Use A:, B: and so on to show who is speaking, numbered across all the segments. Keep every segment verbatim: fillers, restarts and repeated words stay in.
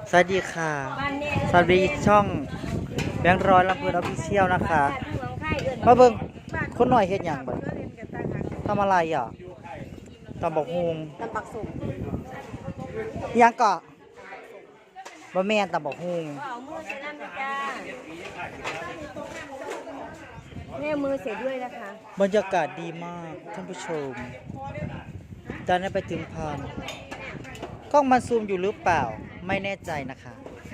A: สวัสดีค่ะสวัสดีช่องแบงค์ร้อยลำพูนออฟฟิเชียลนะคะมาเบิ่งคนหน่อยเฮ็ดหยังบ่ทำอะไรอ่ะตำบักฮุง
B: ตำปักสุ่ม
A: หยังเกาะบ่แม่นตำบักฮุง
B: เอามือใส่น้ำจ้าแม่มือเสร็จด้วยนะคะ
A: บรรยากาศดีมากท่านผู้ชมตอนนี้ไปถึงพานกล้องมันซูมอยู่หรือเปล่าไม่แน่ใจนะคะ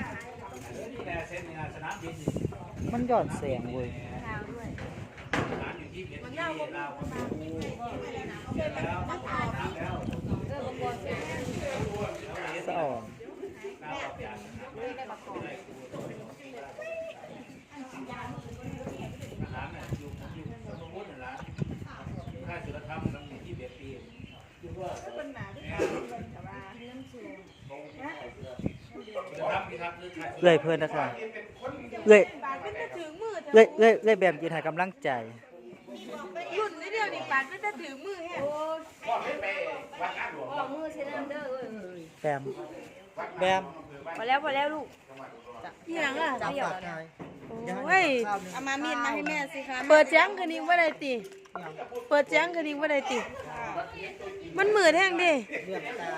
A: มันหย่อนเสียงเว้ยสะอ่อนเลยเพื่อนนะคะเลยเลยเลยเลยแบบยืนให้กำลังใจ
B: รุ่นนี้เดียวนี่ปาดก็จะถือมือแฮะเอามือใส่น้ำเด้อเอ้ย
A: แบมแบม
B: พอแล้วพอแล้วลูกที่หลังอ่ะ
A: จับ
B: เดี๋ยว
A: ปากไทย
C: เฮ้ยเอามามีดมาให้แม่สิคะเปิดแจ้งคืนนี้ว่าได้ติเปิดแจ้งคืนนี้ว่าได้ติมันมืดแห้งดิ
A: เลือกตา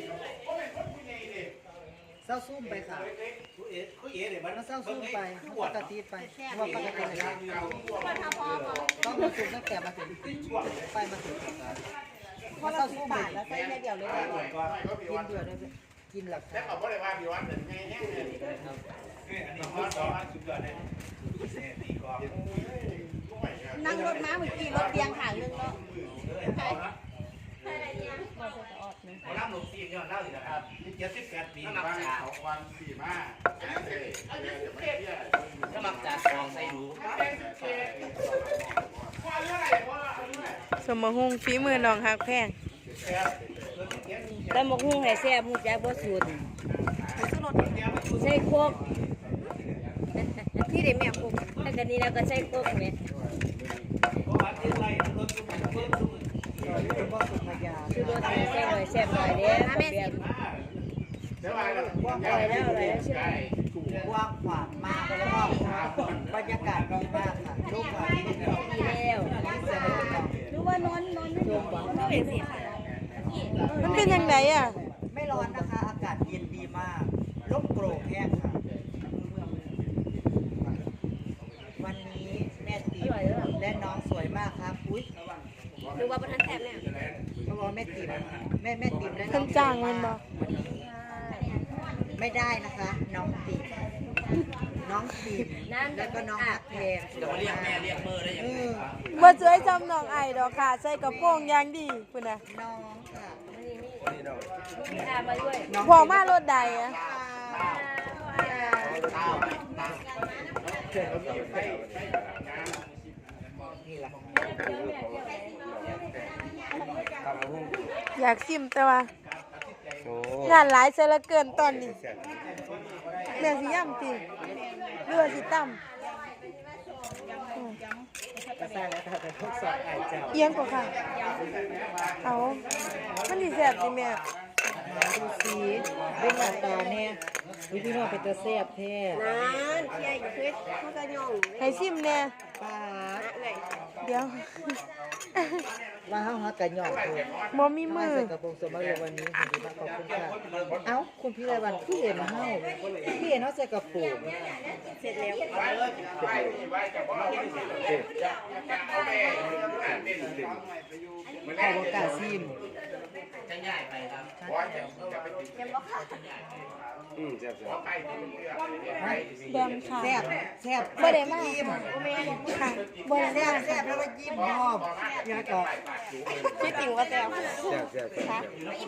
A: เศร้าซุ่มไปค่ะมันเศร้าซุ่มไปปกติไปว่าปกติเลยต้องมาซุ่มตั้งแต่มาถึงไปมาถึงพอเราซุ่มไปแล้วใส่แค่เดียวเลยกินเดือดเลยกินหลักแล้วเขาบอกเลยว่าพี่วันหนึ่งไงแห้งเลย
C: นั่งรถม้าเมื่อกี้รถเตียงขางนึงเนาะ
D: เขาล่ำลงซีนย้อนเล่าสิครับเจ็ดสิบแปดปีน้ำจ่าของวันสี่มาถ้ามักจ่าฟองใส่ดู
C: สมหงฝีมือน้องหักแพง
B: แต่หมกหุ้งให้แซ่บหมูแจ๊บบ่สูตรใส่โคก
C: ที่เด็กแม่คุก
B: แล้วกันนี้แล้วก็ใส่โคกแม่
A: เป็นบ่สุภยา
B: คือรสแซ่บหน่อยแซ่บหน่อยเด้อแม่สิ
A: กว้างกว้างขวางมากแล้วก็บรรยากาศดีมากค่ะรูปถ่ายที่ดี
B: ดีแล้ว
C: หรือว่านอนนอน
B: ชมบ่ไม่เป็นสิค่ะ
C: มันเป็นยังไงอ่ะ
A: ไม่ร้อนนะคะอากาศเย็นดีมากร่มโปร่งแห้งค่ะวันนี้แม่ติ๋มและน้องสวยมากครับอุ้ย
B: หรือว่าบ่ทันแซ่บแม่
A: เขาบอกแม่ติ๋มแม่แม่ติ๋มและน้
C: เพิ่
A: อน ง
C: จ้างมันบ่
A: ไม่ได้นะคะ น้องติ๋มน้องติ๋มแล้วก็น้องฮักแพง
D: จะมาเรียกแม่เรียกเบอร์ได้ยัง
A: เอ
D: ไง
A: อ
C: บ่สวยจำน้องไอ้ดอกค่ะใส่กระโปรงอย่างดีพุ่นน่ะ
A: น้องค่ะ
B: มีอามาด้วย
C: พอมารถใดอ่ะ
A: นี่แหละ
C: อยากซิมแต่ว่า งานหลายเสียเหลือเกินตอนนี้แม่สิย่ำติเรือสิตั้ม
A: กระซ่าแล้วแต่ทดสอบไอเจ้า
C: เอียงกว่าค่ะ เอามันดีแซ่บดิแม่
A: มาดูสีเป็นหน้าตาเนี่ยวิพี่น้องเป็นตัวแซ่บแท้
B: นั่นเที่ยอยู่คือเขาก็ย่อง
C: ให้ซิมแน่
A: ป้า
C: เดี๋ยว
A: ว่าเฮาฮักกันหยอกเลย
C: บ่มีมือ
A: ใส่กระโปรงสมบูรณ์วันนี้ขอบคุณมากขอบคุณค่ะเอ้าคุณพี่ไรวันพี่เห็นเฮาพี่เห็นเฮาใส่กระโปรง
B: เสร็จแล้ว
A: ขอบคุณกาซิม
D: จะง่ายไปครับ
C: แบมค่ะ
A: แซ่บแซ่บ
C: บ่ได้มา
A: ยิ้ม
C: ค่ะบ่ได้
A: แซ่
C: มา
A: บแซ่บแล้วก็ยิ้มพร้อมยาก็
C: คิดถึงว่าแซ่บ
A: ค่ะ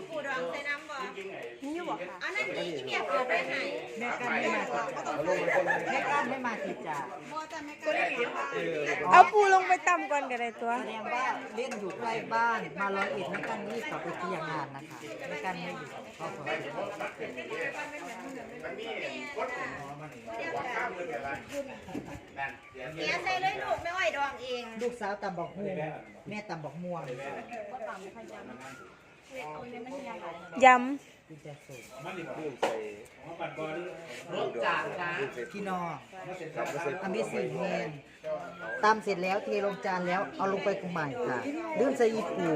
C: นี่อยู่บ่ค่ะ
B: อันนั้นนี่เมียเปิดไปให้
A: แม่กันไม่มาติดแม่กันไม่มาติดจ้า
C: เอาปูลงไปต่ำก่อนก็ได้ตัว
A: แสดงว่าเล่นอยู่ใกล้บ้านมาร้อยเอ็ดแม่กันรีบกลับไปที่ยังงานนะคะแม่กันไม่อยู่ครอบครัว
B: เนี่ยใส่เลยลูกไม่ไหวดองเอง
A: ลูกสาวตำบอกม่วงแม่ตำบอกม่วง
C: ย
A: กินแต่สูตร
D: รถจานนะ
A: พี่น้องทำให้สีแห้งตำเสร็จแล้วเทลงจานแล้วเอาลงไปกุใหม่ค่ะลืมใส่อีปู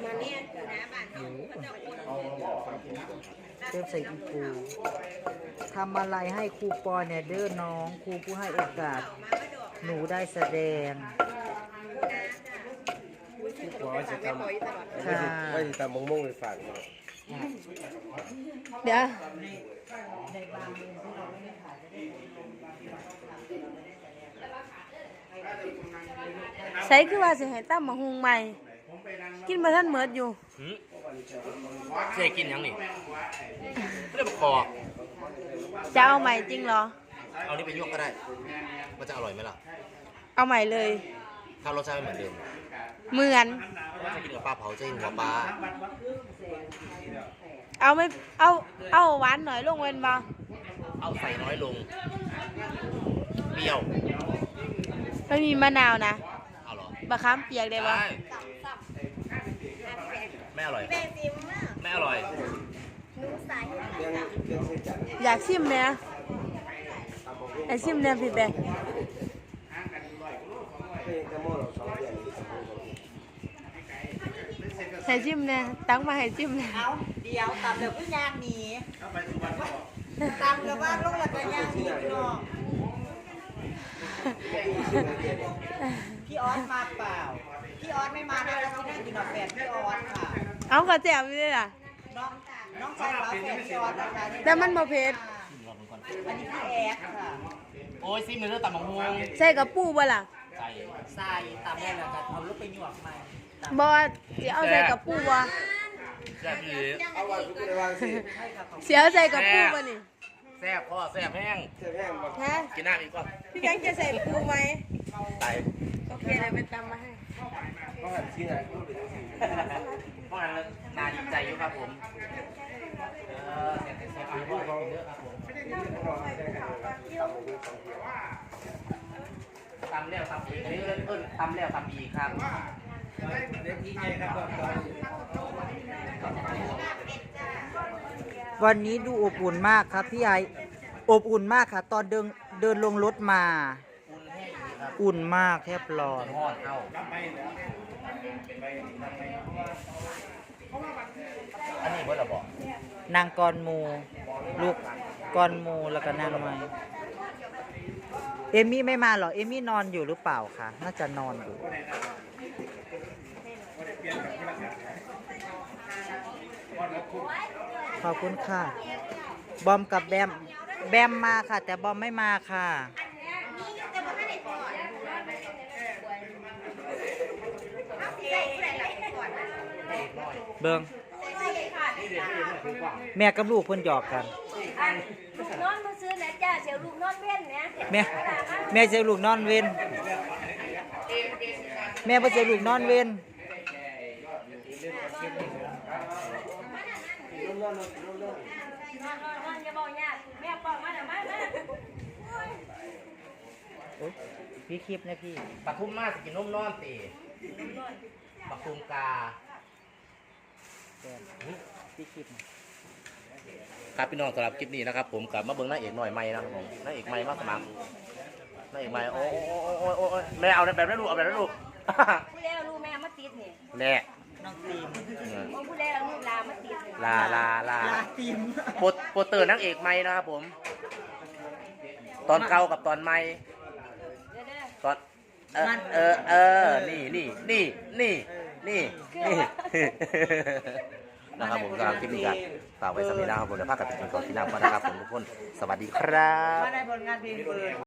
A: ลืมใส่อีปูทำอะไรให้ครูปอเนี่ยเด้อน้องครูผู้ให้โอกาสหนูได้แสดง
E: ว่าจะทำ
A: ค่ะ
E: ว่าจะทำมงมงไปฝาก
C: เดี๋ยวใส่คือว่าสิให้ตั้มมาหุงใหม่ กินมาท่านเมิดอยู่
D: เจ๊กินยังนี่เรื่องคอ
C: จะเอาใหม่จริงเหรอ
D: เอานี่ไปยวกก็ได้ มันจะอร่อยไหมล่ะ
C: เอาใหม่เลย
D: ถ้ารสชาติไม่เหมือนเดิม
C: เหมือน
D: จะกินกับปลาเผาจะกินหัวปลา
C: เอาไม่เอาเอาหวานหน่อยลงเว้นบ่
D: เอาใส่น้อยลง เปรี้ยว
C: ไม่มีมะนาวนะ
D: เอาเหรอ
C: บะขามเปียกได้บ่
D: ได้ไม่อร่อยไม่อร่อย
C: อยากชิมเนี่ยไอชิมเนี่ยพี่แบงค์
E: เป็นกระโม่เราสองเดือน
C: ให้ชิมเนี่ยตั้งมาให้ชิมเนี่ย
A: เอาเดี๋ยวตำเดี๋ยวก็ย่างหนีตำเดี๋ยวว่าลูกหลักก็ย่างหนีพี่น้องพี่ออสมาเปล่าพี่ออสไม่มานะเราที่นั่งกินดอกแฝดพี่ออสค่ะ
C: เอากระแจมนี่ล่ะ
A: น้องน้องชายฝาแฝดพี่ออสนะคะ
C: แต่มันบ่เผ็ด
A: อันนี้พี่แอดค่ะ
D: โอ้ยซิมเนื้อตับมังม่วง
C: ใส่กับปูบ่ล่ะ
D: ใส่
A: ทรายตำแม่เราจะเอาลูกไปหยวกใหม่
C: บ่สิเอาใส่กับปูบ่
D: แซ่บดี
E: เอาวันทุกคนวางสิ
C: เสียเอาใส่กับปูบ่นี่
D: แซ่บพ่อแซ่บแห้ง
E: เสื้อแห้งมา
C: ฮะ
D: กินน้ำอีกก่อน
C: พี่แบงค์จะใส่ปูไหม
D: ใส่
C: โอเคเดี๋ยวไปตำมาให้
E: เขาหันชิ้นไหน
D: เพราะฉะนั้นนาดีใจอยู่ครับผมเออแซ่บแซ่บพ่อเขาเยอะครับผมตำแล้วตำอีกนี่เอิ้นตำแล้วตำอีกครับ
A: วันนี้ดูอบอุ่นมากครับพี่ไออบอุ่นมากค่ะ ตอนเดินเดินลงรถมา อุ่นมากแทบร้อน
D: ทอดเอาอันนี้เพื่อนเราบอก
A: นางกรมู ลูกกรมูแล้วก็นางไม้เอมี่ไม่มาเหรอ เอมี่นอนอยู่หรือเปล่าคะน่าจะนอนอยู่ ขอบคุณค่ะ บอมกับแบม แบมมาค่ะ แต่บอมไม่มาค่ะ เบิงแม่กับลูกเพิ่นหยอกกัน
B: นอนมาซื้อนะจ้าเสียวลูกนอนเว้นนะ
A: แม่แม่เจอลูกนอนเว้นแม่บ่เจอลูกนอนเว้น
B: นอนนอนอย่าบอกยากแม่ปอกมาเดี๋ยวมามา
A: โอ๊ยพี่คลิปนะพี่
D: ปลาทุ่มมากสกินนมนอนตีปลาทุ่มกา
A: พี่คลิป
D: ครับพี่น้องสำหรับคลิปนี้นะครับผมกลับมาเบิ้งหน้าเอกหน่อยใหม่นะครับผมหน้าเอกใหม่มาสมัครหน้าเอกใหม่โอ้โอ้โอ้โอ้แม่เอาแบบนั้นลูกเอาแบบนั้นลูก
B: ผู้เล่ลูกแม่มาติดนี่
D: แน่
A: น้องตีม
B: มองผู้เล่ลูกลามาติดนี่
D: ลาลาลา
A: ลาตีม
D: โปโปเตอร์นางเอกใหม่นะครับผม ตอนเก่ากับตอนใหม่
B: เดี๋ยวเด้อ
D: ตอนเออเออเออนี่นี่นี่นี่นี่นี่นะครับผมสำหรับคลิปนี้ก็ฝากไว้สักนิดนะครับผมเดี๋ยวพากันไปกินก่อนที่น้ำก่อนนะครับผมทุกคนสวัสดีครับ
A: มาในผลงานเพลงเปิด